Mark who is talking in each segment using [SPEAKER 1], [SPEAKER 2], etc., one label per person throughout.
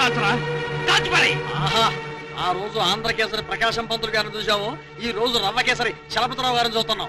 [SPEAKER 1] ఆ రోజు ఆంధ్రకేసరి ప్రకాశం పంతులు గారిని చూసాము, ఈ రోజు రవ్వకేసరి చలపతిరావు గారిని చూస్తున్నాం.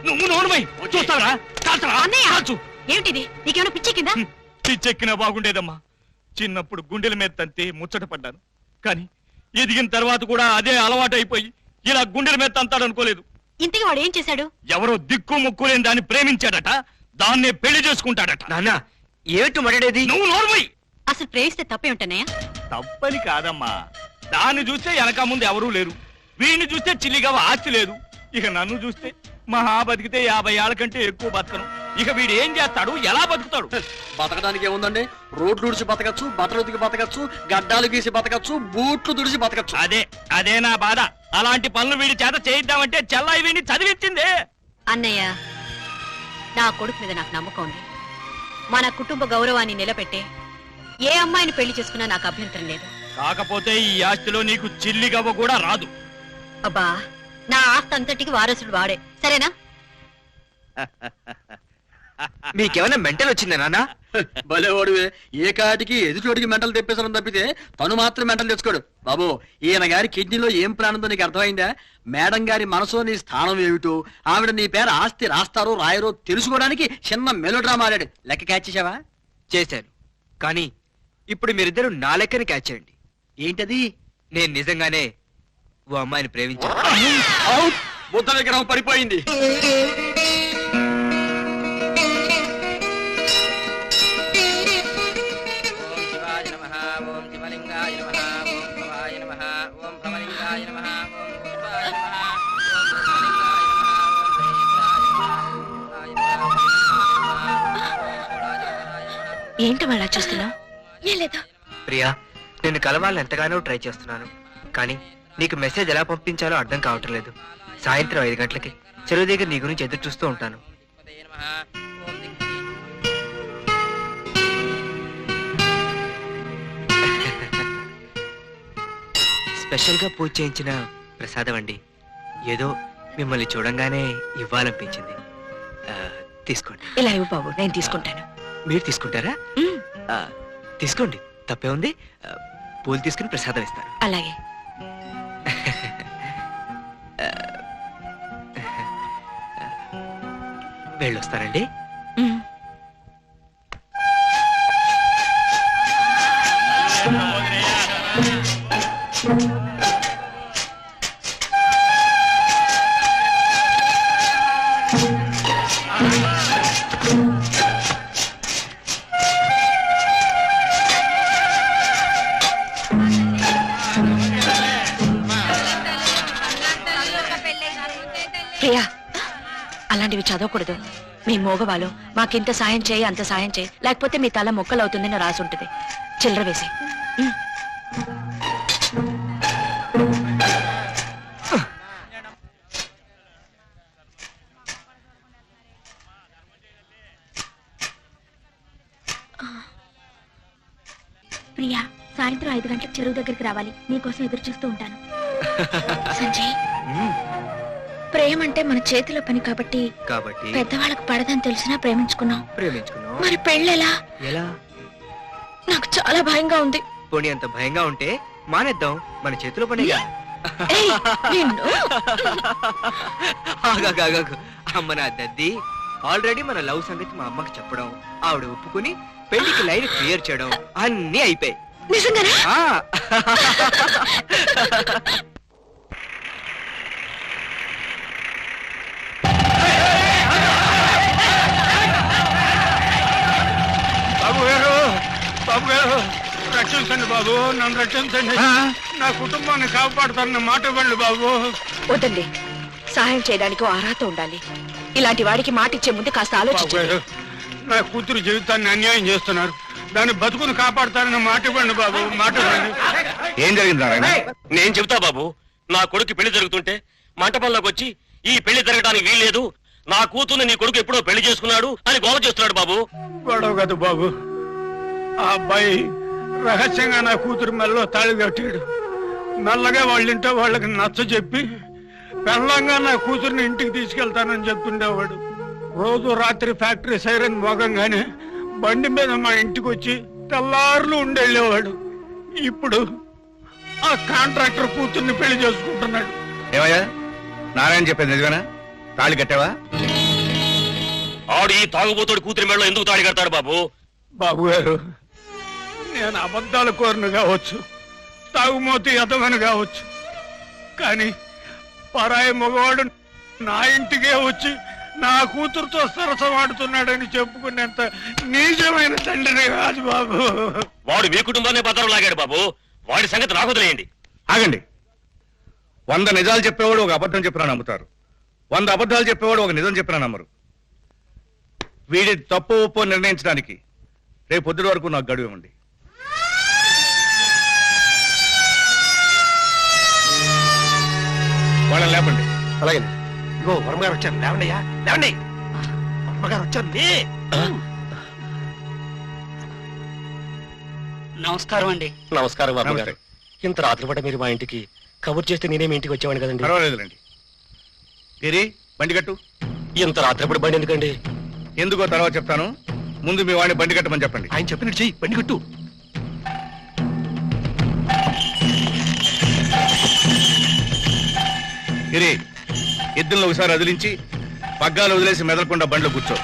[SPEAKER 2] ఏమిటిది? నీకేమైనా పిచ్చెక్కిందా?
[SPEAKER 3] పిచ్చెక్కినా బాగుండేదమ్మా. చిన్నప్పుడు గుండెల మీద తంతే ముచ్చట పడ్డాను, కానీ ఎదిగిన తర్వాత కూడా అదే అలవాటు అయిపోయి ఇలా గుండెల మీద తంతాడనుకోలేదు.
[SPEAKER 2] ఇంతకీ వాడు ఏం చేశాడు?
[SPEAKER 3] ఎవరో దిక్కు ముక్కు లేని దాన్ని ప్రేమించాడట, దాన్నే పెళ్లి చేసుకుంటాడట.
[SPEAKER 1] నాన్న ఏమిటి మాట్లాడేది?
[SPEAKER 3] నువ్వు నోర్మై.
[SPEAKER 2] అసలు ప్రేమిస్తే తప్పే ఉంటానయ్యా?
[SPEAKER 3] తప్పని కాదమ్మా, దాన్ని చూస్తే వెనక ముందు ఎవరూ లేరు, వీడిని చూస్తే చిల్లిగా ఆస్తి లేదు, ఇక నన్ను చూస్తే మహా బతికితే 50 ఏళ్ల కంటే ఎక్కువ బతకను. ఇక వీడు ఏం చేస్తాడు, ఎలా బతుకుతాడు?
[SPEAKER 1] బతకడానికి ఏముందండి, రోడ్లు ఉడిచి బతకచ్చు, బట్టలు ఉతికి బతకచ్చు, గడ్డాలు గీసి బతకచ్చు, బూట్లు దుడిచి బతకచ్చు.
[SPEAKER 3] అదే నా బాధ. అలాంటి పనులు వీడి చేత చేయిద్దామంటే చెల్లాయి వీడిని చదివించిందే.
[SPEAKER 2] అన్నయ్య, నా కొడుకు మీద నాకు నమ్మకం ఉంది. మన కుటుంబ గౌరవాన్ని నిలబెట్టే ఏ అమ్మాయిని పెళ్లి చేసుకున్నా నాకు అభ్యంతరం లేదు.
[SPEAKER 3] కాకపోతే ఈ ఆస్తిలో నీకు చిల్లిగవ్వ కూడా రాదు.
[SPEAKER 2] అబ్బా, నా ఆస్తి అంతటికి వారసుడు వాడే, సరేనా?
[SPEAKER 1] మీకేమైనా మెంటల్ వచ్చిందా నాన్న? భలేవాడువే, ఏ కాటికి ఎదుటోడికి మెంటల్ తెప్పేసడం తప్పితే తను మాత్రం మెంటల్ తెచ్చుకోడు. బాబు, ఈయన గారి కిడ్నీలో ఏం ప్లాన్ ఉందో నీకు అర్థమైందా? మేడం గారి మనసులో నీ స్థానం ఏమిటో, ఆవిడ నీ పేరు ఆస్తి రాస్తారో రాయరో తెలుసుకోవడానికి చిన్న మెలోడ్రామా ఆడాడు. లెక్క క్యాచ్ చేసావా?
[SPEAKER 4] చేశాను, కానీ ఇప్పుడు మీరిద్దరు నా లెక్కని క్యాచ్ చేయండి.
[SPEAKER 1] ఏంటది?
[SPEAKER 4] నేను నిజంగానే ఓ అమ్మాయిని ప్రేమించాను.
[SPEAKER 1] బుద్ధ విగ్రహం పడిపోయింది.
[SPEAKER 2] ఏంటి వాళ్ళ చూస్తున్నావు? ఏం లేదు
[SPEAKER 4] ప్రియా, నేను కలవాలని ఎంతగానో ట్రై చేస్తున్నాను, కానీ నీకు మెసేజ్ ఎలా పంపించాలో అర్థం కావటం లేదు. సాయంత్రం 5 గంటలకి చెరువు దగ్గర నీ గురించి ఎదురు చూస్తూ ఉంటాను. స్పెషల్ గా పూజ చేయించిన ప్రసాదం అండి. ఏదో మిమ్మల్ని చూడంగానే ఇవ్వాలనిపించింది. తీసుకోండి.
[SPEAKER 2] ఇలా ఇవ్వు బాబు, నేను తీసుకుంటాను.
[SPEAKER 4] మీరు తీసుకుంటారా? తీసుకోండి, తప్పే ఉంది. పూలు తీసుకుని ప్రసాదం ఇస్తాను.
[SPEAKER 2] అలాగే.
[SPEAKER 4] వెళ్ళొస్తానండి.
[SPEAKER 2] ప్రియా, అలాంటివి చదవకూడదు. మీ మోగవాళ్ళు మాకింత సాయం చేయి, అంత సాయం చేయి, లేకపోతే మీ తల మొక్కలవుతుందని రాసి ఉంటుంది. చిల్లర వేసి.
[SPEAKER 5] ప్రియా, సాయంత్రం 5 గంటలకు చెరువు దగ్గరికి రావాలి. నీకోసం ఎదురు చూస్తూ ఉంటాను. సంజయ్, ప్రేమ అంటే మన చేతిలో పని కాబట్టి పెద్దవాళ్ళకు పడదని తెలిసినా ప్రేమించుకున్నాం. మరి పెళ్ళెలా?
[SPEAKER 4] ఎలా?
[SPEAKER 5] నాకు చాలా భయంగా ఉంది.
[SPEAKER 4] పోనీ అంత భయంగా ఉంటే మానేద్దాం, మన చేతిలో పనిగా. అమ్మ నా దద్ది, ఆల్రెడీ మన లవ్ సంగతి మా అమ్మకి చెప్పడం, ఆవిడ ఒప్పుకుని పెళ్లికి లైన్ క్లియర్ చేయడం అన్నీ అయిపోయాయి.
[SPEAKER 2] నిజంగానా?
[SPEAKER 3] బాబు గారు, రక్షించండి బాబు, నన్ను రక్షించండి. నా కుటుంబాన్ని కాపాడుతారన్న మాట ఇవ్వండి బాబు.
[SPEAKER 2] వద్దండి, సహాయం చేయడానికి అర్హత ఉండాలి. ఇలాంటి వాడికి మాట ఇచ్చే ముందు కాస్త ఆలోచించండి.
[SPEAKER 3] నా కూతురు జీవితాన్ని అన్యాయం చేస్తున్నారు, దాన్ని బతుకుని కాపాడుతారన్న మాట ఇవ్వండి బాబు, మాట ఇవ్వండి.
[SPEAKER 6] ఏం జరిగింది నారాయణ? నేను చెబుతా బాబు. నా కొడుకు పెళ్లి జరుగుతుంటే మంటపంలోకి వచ్చి ఈ పెళ్లి జరగడానికి వీల్లేదు, నా కూతుర్ని నీ కొడుకు ఎప్పుడో పెళ్లి చేసుకున్నాడు అని గోల చేస్తున్నాడు బాబు.
[SPEAKER 3] గొడవ కదా బాబు, ఆ అబ్బాయి రహస్యంగా నా కూతురు మెల్లో తాళి కట్టాడు. మెల్లగా వాళ్ళింటో వాళ్ళకి నచ్చ చెప్పి పెళ్ళంగా నా కూతుర్ని ఇంటికి తీసుకెళ్తానని చెప్తుండేవాడు. రోజు రాత్రి ఫ్యాక్టరీ సైరన్ మోగంగానే బండి మీద మా ఇంటికి వచ్చి తెల్లారులు ఉండేళ్ళేవాడు. ఇప్పుడు ఆ కాంట్రాక్టర్ కూతుర్ని పెళ్లి చేసుకుంటున్నాడు.
[SPEAKER 7] ఏమయ్యా నారాయణ చెప్పేది నిజమేనా? తాళి కట్టావా?
[SPEAKER 6] ఆడు ఈ తాగుబోతుడి కూతురి మెడలో ఎందుకు తాడి కడతాడు బాబు?
[SPEAKER 3] బాబు గారు, నేను అబద్ధాల కోరను కావచ్చు, తాగుమోతి ఎదవను కావచ్చు, కానీ పరాయి మగవాడు నా ఇంటికే వచ్చి నా కూతురుతో సరసమాడుతున్నాడని చెప్పుకునేంత నీచమైన తండ్రిని కాదు బాబు.
[SPEAKER 6] వాడు మీ కుటుంబాన్ని భద్రం లాగాడు బాబు. వాడి సంగతి నాకు వదిలేయండి.
[SPEAKER 7] ఆగండి. 100 నిజాలు చెప్పేవాడు ఒక అబద్ధం చెప్పినా నమ్ముతారు, 100 అబద్ధాలు చెప్పేవాడు ఒక నిజం చెప్పినా నమ్మరు. వీడి తప్పు ఒప్పో నిర్ణయించడానికి రేపు పొద్దుటి వరకు నాకు గడువు ఇవ్వండి. వాళ్ళని లేపండి.
[SPEAKER 8] అలాగే ఇగో వర్మగారు వచ్చారు, లేవండియా లేవండి. వర్మగారు వచ్చారు.
[SPEAKER 9] నమస్కారం అండి.
[SPEAKER 6] నమస్కారం బాబు గారు. ఇంత రాత్రి పూట మీరు మా ఇంటికి కబుర్ చేస్తే నేనేమి ఇంటికి వచ్చేవాడిని కదండి.
[SPEAKER 7] పర్వాలేదులేండి. గిరి, బండి కట్టు.
[SPEAKER 6] ఇంత రాత్రిపూట బండి ఎందుకండి?
[SPEAKER 7] ఎందుకో తర్వాత చెప్తాను, ముందు మీ వాడిని బండి కట్టమని చెప్పండి.
[SPEAKER 8] ఆయన చెప్పినట్టు చెయ్యి, బండి కట్టు.
[SPEAKER 7] గిరి, ఎద్దులను ఒకసారి వదిలించి పగ్గాలు వదిలేసి మెదలకుండా బండిలో కూర్చో.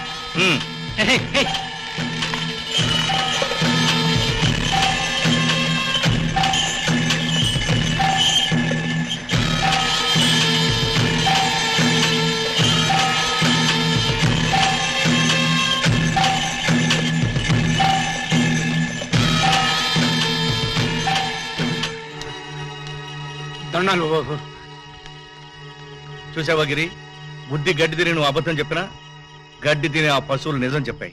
[SPEAKER 3] దండాలు బాబు.
[SPEAKER 7] చూసావా గిరి, బుద్ధి గడ్డి తిని నువ్వు అబద్ధం చెప్పినా గడ్డి తిని ఆ పశువులు నిజం చెప్పాయి.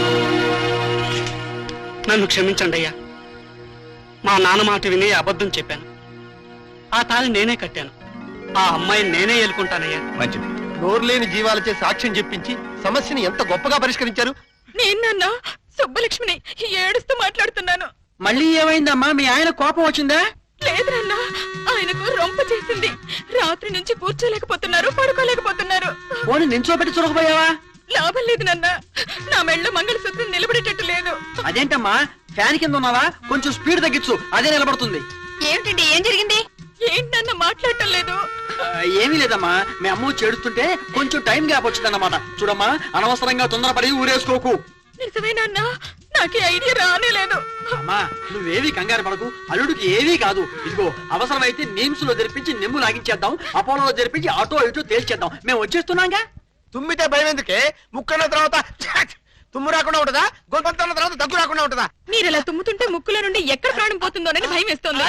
[SPEAKER 9] నన్ను క్షమించండి అయ్యా. మా నాన్న మాట విని అబద్ధం చెప్పాను. ఆ తాళి నేనే కట్టాను. ఆ అమ్మాయిని నేనే ఏలుకుంటానయ్యా.
[SPEAKER 7] మంచిది.
[SPEAKER 8] నోరులేని జీవాలచే సాక్ష్యం చెప్పించి సమస్యని ఎంత గొప్పగా పరిష్కరించారు.
[SPEAKER 2] నేను సుబ్బలక్ష్మిని ఏడుస్తూ మాట్లాడుతున్నాను.
[SPEAKER 1] మళ్ళీ ఏమైందమ్మా? మీ ఆయన కోపం వచ్చిందా?
[SPEAKER 2] లేదు నాన్న, ఆయనకు రొంప చేసింది. రాత్రి నుంచి కూర్చోలేకపోతున్నారు, పడుకోలేకపోతున్నారు.
[SPEAKER 1] పోనీ నించోబెట్టి చురకపోయావా?
[SPEAKER 2] లాభం లేదు నాన్న, నా మెళ్ళ మంగళసూత్రం నిలబడేటట్టు లేదు.
[SPEAKER 1] అదేంటమ్మా, ఫ్యాన్ కింద ఉన్నావా? కొంచెం స్పీడ్ తగ్గించు, అదే నిలబడుతుంది.
[SPEAKER 2] ఏమిటండి, ఏం జరిగింది? ఏంటన్న మాట్లాడటం లేదు?
[SPEAKER 1] ఏమీ లేదమ్మా, మీ అమ్మ చేడుస్తుంటే కొంచెం టైం గ్యాప్ వచ్చిందన్నమాట. చూడమ్మా, అనవసరంగా తొందరపడి ఊరేసుకోకు.
[SPEAKER 2] నిజమేనన్నా, నాకు ఐడియా రానే లేదు.
[SPEAKER 1] అమ్మా, నువ్వేవి కంగారు పడకు, అల్లుడికి ఏవీ కాదు. ఇదిగో, అవసరమైతే నీమ్స్ లో జరిపించి నిమ్ము లాగించేద్దాం, అపోలో జరిపించి అటో ఇటో తేల్చేద్దాం. మేము వచ్చేస్తున్నాగా.
[SPEAKER 8] తుమ్మితే భయం ఎందుకే? ముక్కన్న తర్వాత తుమ్ము రాకుండా ఉంటదా? గొంతన్న తర్వాత దగ్గు రాకుండా ఉంటదా?
[SPEAKER 2] మీరు ఇలా తుమ్ముతుంటే ముక్కుల నుండి ఎక్కడ ప్రాణం పోతుందోనని భయం వేస్తోంది.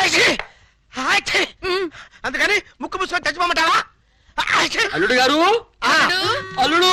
[SPEAKER 8] అందుకని ముక్కు మూసుకొని చచ్చిపోమంటావా?
[SPEAKER 1] అల్లుడు గారు, అల్లుడు,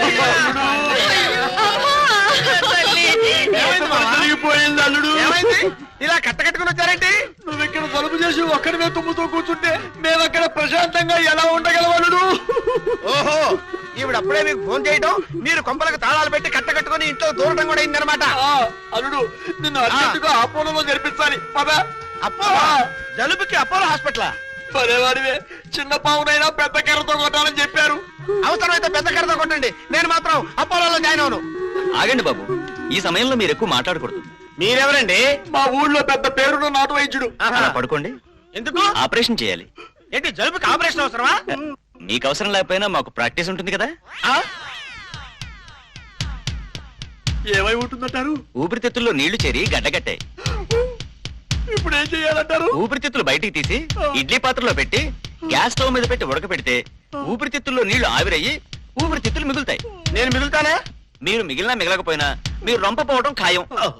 [SPEAKER 1] జరిగిపోయింది అల్లుడు.
[SPEAKER 8] ఏమైంది? ఇలా కట్టకట్టుకుని వచ్చారేంటి?
[SPEAKER 1] నువ్వు ఇక్కడ తలుపు చేసి ఒక్కడివే తుమ్ముతూ కూర్చుంటే మేము అక్కడ ప్రశాంతంగా ఎలా ఉండగలం అల్లుడు?
[SPEAKER 8] ఓహో, ఈవిడ అప్పుడే మీకు ఫోన్ చేయడం, మీరు కొంపలకు తాళాలు పెట్టి కట్టకట్టుకుని ఇంట్లో దూరటం కూడా అయిందనమాట.
[SPEAKER 1] అల్లుడు, నిన్ను అర్జెంటుగా అపోలోలో జరిపించాలి. పద.
[SPEAKER 8] అపోలో? జలుబుకి అపోలో హాస్పిటల్?
[SPEAKER 1] పదేవాడివే, చిన్న పావునైనా పెద్ద కర్రతో కొట్టాలని చెప్పారు.
[SPEAKER 8] అవసరమైతే పెద్ద కర్రతో కొట్టండి, నేను మాత్రం అపోలోలో జాయిన్ అవును.
[SPEAKER 10] ఆగండి బాబు, ఈ సమయంలో మీరు ఎక్కువ మాట్లాడకూడదు.
[SPEAKER 8] మీరెవరండి?
[SPEAKER 1] మా ఊళ్ళో పెద్ద పేరున్న నాటు వైద్యుడు.
[SPEAKER 10] అలా పడుకోండి.
[SPEAKER 8] ఎందుకు?
[SPEAKER 10] ఆపరేషన్ చేయాలి.
[SPEAKER 8] ఏంటి, జలుబుకి ఆపరేషన్ అవసరమా?
[SPEAKER 10] మీకు అవసరం లేకపోయినా మాకు ప్రాక్టీస్ ఉంటుంది కదా.
[SPEAKER 1] ఏమై ఉంటుందంటారు?
[SPEAKER 10] ఊపిరితిత్తుల్లో నీళ్లు చేరి గడ్డగట్టాయి.
[SPEAKER 1] ఇప్పుడు ఏం చేయాలంటారు?
[SPEAKER 10] ఊపిరితిత్తులు బయటికి తీసి ఇడ్లీ పాత్రలో పెట్టి గ్యాస్ స్టవ్ మీద పెట్టి ఉడకపెడితే ఊపిరితిత్తుల్లో నీళ్లు ఆవిరయ్యి ఊపిరితిత్తులు మిగులుతాయి.
[SPEAKER 8] నేను మిగులుతానే?
[SPEAKER 10] మీరు మిగిలినా మిగలకపోయినా మీరు రొంపపోవడం ఖాయం.